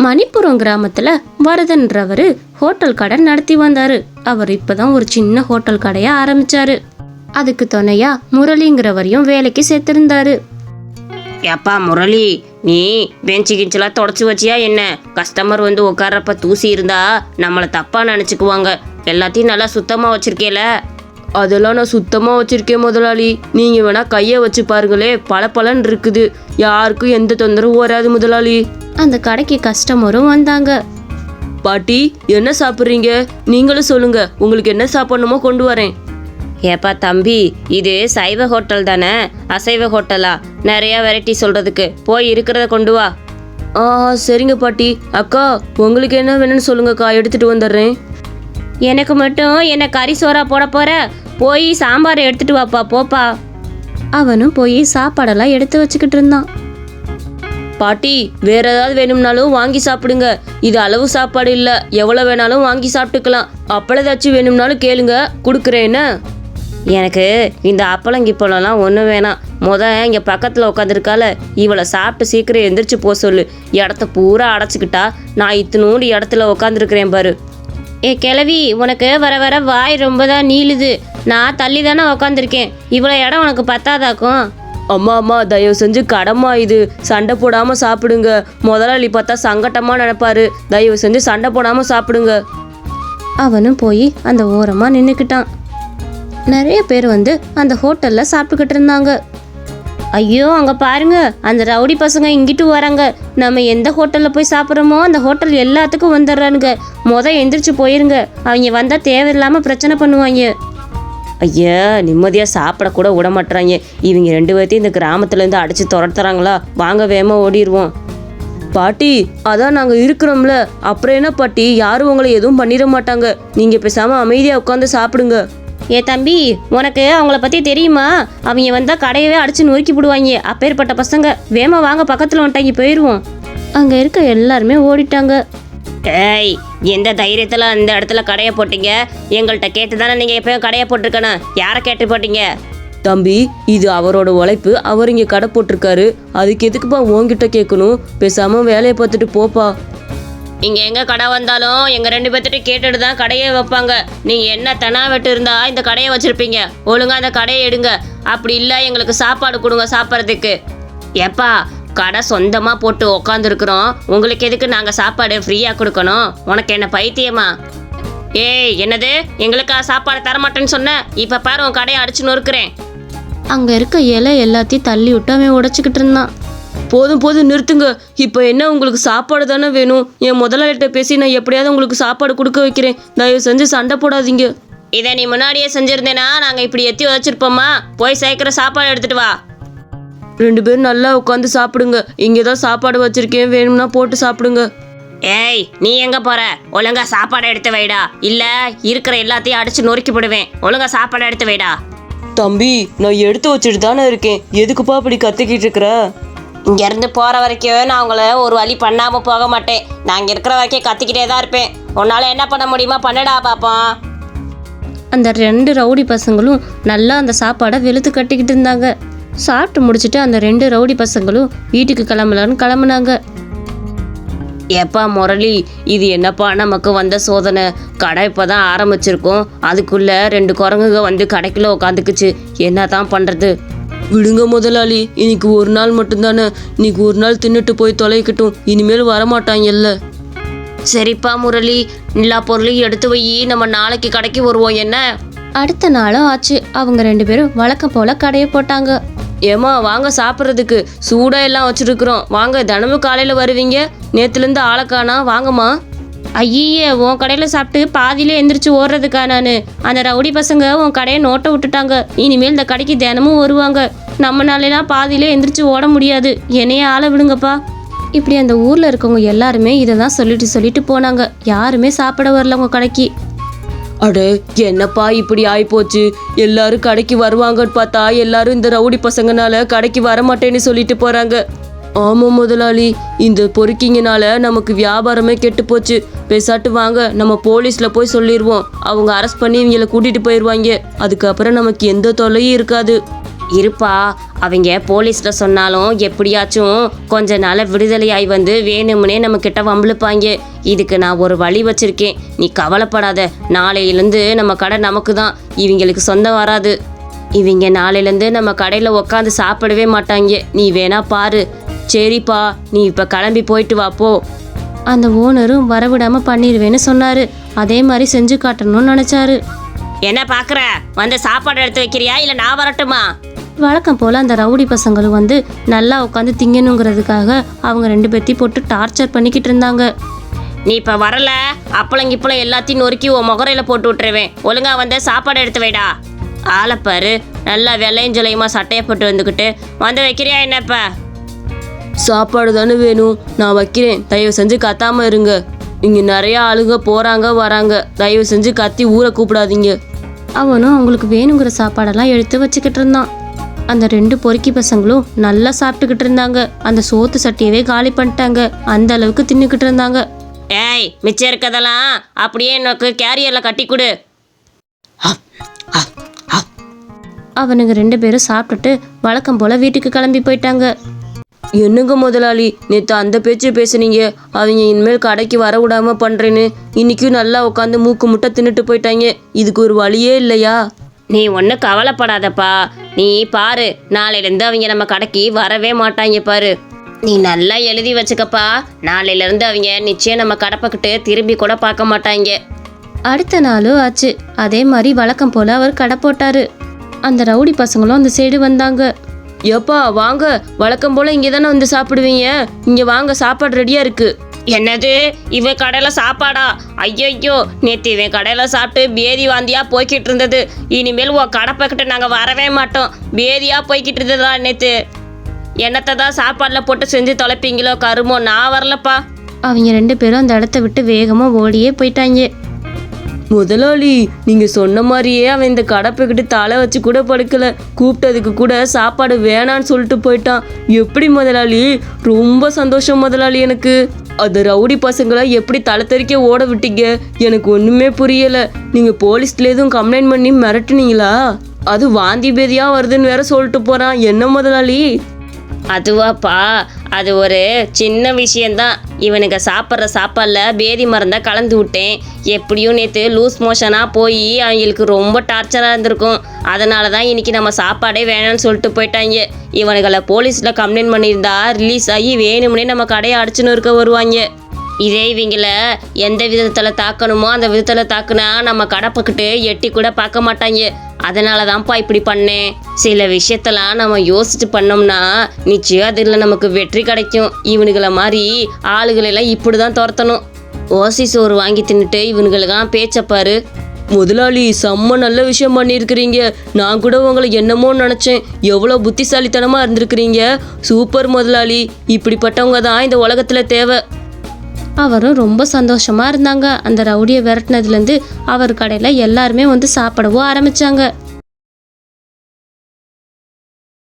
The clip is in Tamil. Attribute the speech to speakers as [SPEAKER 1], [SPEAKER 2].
[SPEAKER 1] மணிப்புரம் கிராமத்துல வரதன்றவர் ஹோட்டல் கடை நடத்தி வந்தாரு. அவர் இப்பதான் ஒரு சின்ன ஹோட்டல் கடையை ஆரம்பிச்சாரு. அதுக்கு துணையா முரளிங்கிறவரையும் வேலைக்கு சேர்த்திருந்தாரு.
[SPEAKER 2] ஏப்பா முரளி, நீ பெஞ்சு கிஞ்செல்லாம் தொடச்சி வச்சியா என்ன? கஸ்டமர் வந்து உட்கார்றப்ப தூசி இருந்தா நம்மளை தப்பா நினச்சிக்குவாங்க. எல்லாத்தையும் நல்லா சுத்தமாக வச்சிருக்கேல?
[SPEAKER 3] அதெல்லாம் நான் சுத்தமாக வச்சுருக்கேன் முதலாளி. நீங்கள் வேணால் கையை வச்சு பாருங்களே, பளபளன்னு இருக்குது. யாருக்கும் எந்த தொந்தரவும் வராது முதலாளி.
[SPEAKER 1] அந்த கடைக்கு கஸ்டமரும் வந்தாங்க.
[SPEAKER 3] பாட்டி, என்ன சாப்பிட்றீங்க? நீங்களும் சொல்லுங்க, உங்களுக்கு என்ன சாப்பிடணுமோ கொண்டு வரேன்.
[SPEAKER 2] ஏப்பா தம்பி, இது சைவ ஹோட்டல் தானே, அசைவ ஹோட்டலா? நிறையா வெரைட்டி சொல்கிறதுக்கு போய் இருக்கிறத கொண்டு வா.
[SPEAKER 3] சரிங்க பாட்டி. அக்கா, உங்களுக்கு என்ன வேணும்னு சொல்லுங்கக்கா, எடுத்துகிட்டு வந்துடுறேன்.
[SPEAKER 1] எனக்கு மட்டும் என்ன கறி சோறா போட போற? போய் சாம்பார் எடுத்துட்டு வாப்பா, போப்பா. அவனும் போய் சாப்பாடெல்லாம் எடுத்து வச்சுக்கிட்டு இருந்தான்.
[SPEAKER 3] பாட்டி, வேற ஏதாவது வேணும்னாலும் வாங்கி சாப்பிடுங்க. இது அளவு சாப்பாடு இல்லை, எவ்வளோ வேணாலும் வாங்கி சாப்பிட்டுக்கலாம். அப்பளம் ஏதாச்சும் வேணும்னாலும் கேளுங்க, கொடுக்குறேன்னு.
[SPEAKER 2] எனக்கு இந்த அப்பளங்கிப்பழம்லாம் ஒன்றும் வேணாம். இங்கே பக்கத்தில் உட்காந்துருக்கால, இவளை சாப்பிட்டு சீக்கிரம் எந்திரிச்சு போக சொல்லு. இடத்த பூரா அடைச்சிக்கிட்டா நான் இத்தினூண்டு இடத்துல உட்காந்துருக்கிறேன் பாரு.
[SPEAKER 1] கிழவி, உனக்கு வர வர வாய் ரொம்ப தான் நீளுது. நான் தள்ளி தானே உக்காந்துருக்கேன். இவ்வளோ இடம் உனக்கு பத்தாதாக்கும்.
[SPEAKER 3] அம்மா தயவு செஞ்சு கடமா இது, சண்டை போடாமல் சாப்பிடுங்க. முதலாளி பார்த்தா சங்கட்டமாக நினைப்பாரு. தயவு செஞ்சு சண்டை போடாமல் சாப்பிடுங்க.
[SPEAKER 1] அவனும் போய் அந்த ஓரமாக நின்றுக்கிட்டான். நிறைய பேர் வந்து அந்த ஹோட்டலில் சாப்பிட்டுக்கிட்டு இருந்தாங்க. ஐயோ, அங்கே பாருங்க, அந்த ரவுடி பசங்க இங்கிட்டு வராங்க. நம்ம எந்த ஹோட்டலில் போய் சாப்பிட்றோமோ அந்த ஹோட்டல் எல்லாத்துக்கும் வந்துடுறானுங்க. எந்திரிச்சு போயிருங்க, அவங்க வந்தால் தேவையில்லாமல் பிரச்சனை பண்ணுவாங்க.
[SPEAKER 2] ஐயா, நிம்மதியாக சாப்பிடக்கூட விட மாட்டுறாங்க. இவங்க 2 பேர்த்தையும் இந்த கிராமத்துலேருந்து அடித்து துரத்துறாங்களா? வாங்க வேகமாக ஓடிடுவோம்.
[SPEAKER 3] பாட்டி, அதான் நாங்கள் இருக்கிறோம்ல, அப்புறம் என்ன பாட்டி, யாரும் உங்களை எதுவும் பண்ணிட மாட்டாங்க. நீங்கள் பேசாமல் அமைதியாக உட்காந்து சாப்பிடுங்க.
[SPEAKER 1] தம்பி, உனக்கு அவங்கள பற்றி தெரியுமா? அவங்க வந்தால் கடையவே அடித்து நொறுக்கி விடுவாங்க. அப்பேற்பட்ட பசங்க. வேமா வாங்க, பக்கத்தில் வந்துட்டாங்க, போயிடுவோம். அங்கே இருக்க எல்லாருமே ஓடிட்டாங்க.
[SPEAKER 2] ஏய், எந்த தைரியத்தில் அந்த இடத்துல கடையை போட்டீங்க? எங்கள்கிட்ட கேட்டு தானே நீங்கள் எப்போயும் கடையை போட்டிருக்கணும். யாரை கேட்டு போட்டீங்க?
[SPEAKER 3] தம்பி, இது அவரோட உழைப்பு. அவர் இங்கே கடை போட்டிருக்காரு. அதுக்கு எதுக்குப்பா உங்ககிட்ட கேட்கணும்? பேசாமல் வேலையை பார்த்துட்டு போப்பா.
[SPEAKER 2] இங்கே எங்கே கடை வந்தாலும் எங்கள் 2 பேர்த்திட்ட கேட்டுட்டு தான் கடையே வைப்பாங்க. நீங்கள் என்ன தெனாவெட்டு இருந்தால் இந்த கடையை வச்சுருப்பீங்க. ஒழுங்காக அந்த கடையை எடுங்க. அப்படி இல்லை எங்களுக்கு சாப்பாடு கொடுங்க சாப்பிட்றதுக்கு. ஏப்பா, கடை சொந்தமாக போட்டு உக்காந்துருக்குறோம். உங்களுக்கு எதுக்கு நாங்கள் சாப்பாடு ஃப்ரீயாக கொடுக்கணும்? உனக்கு என்ன பைத்தியமா? ஏய், என்னது எங்களுக்கா சாப்பாடு தரமாட்டேன்னு சொன்ன? இப்போ பாரு, உன் கடையை அடிச்சு நொறுக்குறேன்.
[SPEAKER 1] அங்கே இருக்க இலை எல்லாத்தையும் தள்ளி விட்டு அவன் உடைச்சிக்கிட்டு இருந்தான்.
[SPEAKER 3] போதும் நிறுத்துங்க. இப்போ என்ன, உங்களுக்கு சாப்பாடு தானே வேணும்? என் முதலாளிகிட்ட பேசி நான் எப்படியாவது உங்களுக்கு சாப்பாடு கொடுக்க வைக்கிறேன். தயவு செஞ்சு சண்டை போடாதீங்க.
[SPEAKER 2] இதை நீ முன்னாடியே செஞ்சுருந்தேனா நாங்கள் இப்படி எத்தி வச்சிருப்போமா? போய் சேர்க்குற சாப்பாடு எடுத்துட்டு வா.
[SPEAKER 3] 2 பேரும் நல்லா உட்காந்து சாப்பிடுங்க. இங்கே தான் சாப்பாடு வச்சிருக்கேன், வேணும்னா போட்டு சாப்பிடுங்க.
[SPEAKER 2] ஏய், நீ எங்கே போகிற? ஒழுங்கா சாப்பாடு எடுத்து வைடா, இல்லை இருக்கிற எல்லாத்தையும் அடிச்சு நொறுக்கி போடுவேன். ஒழுங்கா சாப்பாடு எடுத்து வைடா.
[SPEAKER 3] தம்பி, நான் எடுத்து வச்சுட்டு தானே இருக்கேன். எதுக்குப்பா இப்படி கத்திக்கிட்டு இருக்கிற?
[SPEAKER 2] இங்கேருந்து போகிற வரைக்கும் நான் உங்களை ஒரு வழி பண்ணாமல் போக மாட்டேன். நான் இங்கே இருக்கிற வரைக்கும் கத்திக்கிட்டே தான் இருப்பேன். உன்னால் என்ன பண்ண முடியுமா பண்ணடா பாப்போம்.
[SPEAKER 1] அந்த 2 ரவுடி பசங்களும் நல்லா அந்த சாப்பாடை வெளுத்து கட்டிக்கிட்டு இருந்தாங்க. சாப்பிட்டு முடிச்சுட்டு அந்த 2 ரவுடி பசங்களும் வீட்டுக்கு கிளம்பலான்னு கிளம்புனாங்க.
[SPEAKER 2] எப்பா முரளி, இது என்னப்பா நமக்கு வந்த சோதனை? கடை இப்போ தான் ஆரம்பிச்சிருக்கோம், அதுக்குள்ளே 2 குரங்குங்க வந்து கடைக்குள்ளே உட்காந்துக்குச்சு. என்ன தான் பண்ணுறது?
[SPEAKER 3] விடுங்க முதலாளி, இன்னைக்கு ஒரு நாள் மட்டும்தானே. இன்னைக்கு ஒரு நாள் தின்னுட்டு போய் தொலைக்கட்டும். இனிமேல் வரமாட்டாங்கல்ல.
[SPEAKER 2] சரிப்பா முரளி, எல்லா பொருளையும் எடுத்து வை. நம்ம நாளைக்கு கடைக்கு வருவோம். என்ன?
[SPEAKER 1] அடுத்த நாளும் ஆச்சு. அவங்க 2 பேரும் வழக்கம் போல கடையை போட்டாங்க.
[SPEAKER 3] ஏமா, வாங்க சாப்பிட்றதுக்கு. சூடாக எல்லாம் வச்சுருக்குறோம். வாங்க, தினமும் காலையில் வருவீங்க. நேற்றுலேருந்து ஆளைக்கானா, வாங்கம்மா.
[SPEAKER 1] ஐயே, உன் கடையில் சாப்பிட்டு பாதியிலே எந்திரிச்சு ஓடுறதுக்கா நான்? அந்த ரவுடி பசங்க உன் கடையை நோட்டை விட்டுட்டாங்க. இனிமேல் இந்த கடைக்கு தினமும் வருவாங்க. நம்மளாலாம் பாதியிலே எந்திரிச்சு ஓட முடியாது. என்னையே ஆள விடுங்கப்பா. இப்படி அந்த ஊரில் இருக்கவங்க எல்லாருமே இதை தான் சொல்லிட்டு போனாங்க. யாருமே சாப்பிட வரல உங்கள் கடைக்கு.
[SPEAKER 3] அட, என்னப்பா இப்படி ஆயிப்போச்சு? எல்லாரும் கடைக்கு வருவாங்கன்னு பார்த்தா எல்லாரும் இந்த ரவுடி பசங்கனால கடைக்கு வரமாட்டேன்னு சொல்லிட்டு போகிறாங்க. ஆமாம் முதலாளி, இந்த பொறுக்கிங்கனால நமக்கு வியாபாரமே கெட்டு போச்சு. பேசாட்டு வாங்க, நம்ம போலீஸில் போய் சொல்லிடுவோம். அவங்க அரெஸ்ட் பண்ணி இவங்களை கூட்டிகிட்டு போயிடுவாங்க. அதுக்கப்புறம் நமக்கு எந்த தொல்லையும் இருக்காது.
[SPEAKER 2] இருப்பா, அவங்க போலீஸில் சொன்னாலும் எப்படியாச்சும் கொஞ்ச நாள் விடுதலையாகி வந்து வேணும்னே நம்மக்கிட்ட வம்பிழுப்பாங்க. இதுக்கு நான் ஒரு வழி வச்சுருக்கேன், நீ கவலைப்படாத. நாளையிலேருந்து நம்ம கடை நமக்கு தான், இவங்களுக்கு சொந்தம் வராது. இவங்க நாளையிலேருந்து நம்ம கடையில் உக்காந்து சாப்பிடவே மாட்டாங்க, நீ வேணா பாரு. சரிப்பா, நீ இப்போ கிளம்பி போயிட்டு வா போ.
[SPEAKER 1] அந்த ஓனரும் வரவிடாமல் பண்ணிடுவேன்னு சொன்னார். அதே மாதிரி செஞ்சு காட்டணும்னு நினச்சாரு.
[SPEAKER 2] என்ன பார்க்குற, வந்து சாப்பாடு எடுத்து வைக்கிறியா இல்லை நான் வரட்டுமா?
[SPEAKER 1] வழக்கம் போல் அந்த ரவுடி பசங்களும் வந்து நல்லா உட்காந்து திங்கணுங்கிறதுக்காக அவங்க 2 பேர்த்தையும் போட்டு டார்ச்சர் பண்ணிக்கிட்டு இருந்தாங்க.
[SPEAKER 2] நீ இப்போ வரல, அப்பளங்கிப்பளம் எல்லாத்தையும் நொறுக்கி உன் முகரையில் போட்டு விட்டுருவேன். ஒழுங்கா வந்து சாப்பாடு எடுத்து வைடா. ஆளைப்பாரு, நல்லா வெள்ளையும் ஜொலையுமா சட்டையை போட்டு வந்துக்கிட்டு வந்து வைக்கிறியா என்னப்பா?
[SPEAKER 3] சாப்பாடு தானே வேணும், நான் வைக்கிறேன். தயவு செஞ்சு கத்தாமல் இருங்க. இங்கே நிறைய ஆளுங்க போகிறாங்க வராங்க. தயவு செஞ்சு கத்தி ஊரை கூப்பிடாதீங்க.
[SPEAKER 1] அவனும் அவங்களுக்கு வேணுங்கிற சாப்பாடெல்லாம் எடுத்து வச்சுக்கிட்டு இருந்தான். அந்த 2 பொறுக்கி பசங்களும் நல்லா சாப்பிட்டுக்கிட்டு இருந்தாங்க. அந்த சோத்து சட்டியவே காலி பண்ணிட்டாங்க. அந்த அளவுக்கு தின்னுக்கிட்டு இருந்தாங்க.
[SPEAKER 2] ஏய், மிச்சம் இருக்கதெல்லாம் அப்படியே எனக்கு கேரியரில் கட்டி கொடு.
[SPEAKER 1] அவனுங்க 2 பேரும் சாப்பிட்டுட்டு வழக்கம் போல் வீட்டுக்கு கிளம்பி போயிட்டாங்க.
[SPEAKER 3] என்னங்க முதலாளி, நேற்று அந்த பேச்சு பேசுனீங்க, அவங்க இனிமேல் கடைக்கு வர விடாம பண்ணுறேன்னு. இன்றைக்கும் நல்லா உட்காந்து மூக்கு முட்டை தின்னுட்டு போயிட்டாங்க. இதுக்கு ஒரு வழியே இல்லையா?
[SPEAKER 2] நீ ஒன்றும் கவலைப்படாதப்பா, நீ பாரு, நாளையிலேருந்து அவங்க நம்ம கடைக்கு வரவே மாட்டாங்க பாரு. நீ நல்லா எழுதி வச்சுக்கப்பா, நாளையிலேருந்து அவங்க நிச்சயம் நம்ம கடை பக்கிட்டு திரும்பி கூட பார்க்க மாட்டாங்க.
[SPEAKER 1] அடுத்த நாளும் ஆச்சு. அதே மாதிரி வழக்கம் போல் அவர் கடை போட்டார். அந்த ரவுடி பசங்களும் அந்த சைடு வந்தாங்க.
[SPEAKER 3] ஏப்பா வாங்க, வழக்கம் போல் இங்கே தானே வந்து சாப்பிடுவீங்க. இங்கே வாங்க, சாப்பாடு ரெடியாக இருக்குது.
[SPEAKER 2] என்னது, இவன் கடையில் சாப்பாடா? ஐயோ, நேற்று இவன் கடையில் சாப்பிட்டு பேதி வாந்தியாக போய்கிட்டு இருந்தது. இனிமேல் உன் கடை பக்கிட்ட நாங்கள் வரவே மாட்டோம். பேதியாக போய்கிட்டு இருந்ததா நேற்று? என்னத்தை தான் சாப்பாடில் போட்டு செஞ்சு தொலைப்பீங்களோ கருமோ, நான் வரலப்பா.
[SPEAKER 1] அவங்க 2 பேரும் அந்த இடத்த விட்டு வேகமாக ஓடியே போயிட்டாங்க.
[SPEAKER 3] முதலாளி, நீங்கள் சொன்ன மாதிரியே அவன் இந்த கடப்பைக்கிட்டு தலை வச்சு கூட படுக்கலை. கூப்பிட்டதுக்கு கூட சாப்பாடு வேணான்னு சொல்லிட்டு போயிட்டான். எப்படி முதலாளி? ரொம்ப சந்தோஷம் முதலாளி. எனக்கு அந்த ரவுடி பசங்களை எப்படி தலை தெறிக்க ஓட விட்டீங்க? எனக்கு ஒன்றுமே புரியலை. நீங்கள் போலீஸ்ல எதுவும் கம்ப்ளைண்ட் பண்ணி மிரட்டுனீங்களா? அது வாந்தி பேதியாக வருதுன்னு வேற சொல்லிட்டு போகிறான். என்ன முதலாளி?
[SPEAKER 2] அதுவாப்பா, அது ஒரு சின்ன விஷயந்தான். இவனுக்கு சாப்பிட்ற சாப்பாடில் பேதி மருந்தை கலந்து விட்டேன். எப்படியும் நேற்று லூஸ் மோஷனாக போய் அவங்களுக்கு ரொம்ப டார்ச்சராக இருந்திருக்கும். அதனால தான் இன்றைக்கி நம்ம சாப்பாடே வேணான்னு சொல்லிட்டு போயிட்டாங்க. இவனுங்களை போலீஸில் கம்ப்ளைண்ட் பண்ணியிருந்தா ரிலீஸ் ஆகி வேணும்னே நம்ம கடையை அடிச்சுன்னு இருக்க வருவாங்க. இதே இவங்கள எந்த விதத்தில் தாக்கணுமோ அந்த விதத்தில் தாக்குனா நம்ம கடை பக்கிட்டு எட்டி கூட பார்க்க மாட்டாங்க. அதனால தான்ப்பா இப்படி பண்ணேன். சில விஷயத்தெல்லாம் நம்ம யோசிச்சு பண்ணோம்னா நிச்சயம் அதில் நமக்கு வெற்றி கிடைக்கும். இவனுங்களை மாதிரி ஆளுகளெல்லாம் இப்படி தான் துரத்தணும். ஓசி சோறு வாங்கி தின்னுட்டு இவனுங்களுக்கெல்லாம் பேச்சப்பாரு.
[SPEAKER 3] முதலாளி, செம்ம நல்ல விஷயம் பண்ணியிருக்கிறீங்க. நான் கூட உங்களை என்னமோ நினச்சேன். எவ்வளோ புத்திசாலித்தனமாக இருந்திருக்கிறீங்க. சூப்பர் முதலாளி. இப்படிப்பட்டவங்க தான் இந்த உலகத்தில் தேவை.
[SPEAKER 1] அவரும் ரொம்ப சந்தோஷமாக இருந்தாங்க. அந்த ரவுடியை விரட்டினதுலேருந்து அவர் கடையில் எல்லாருமே வந்து சாப்பிடவும் ஆரம்பித்தாங்க.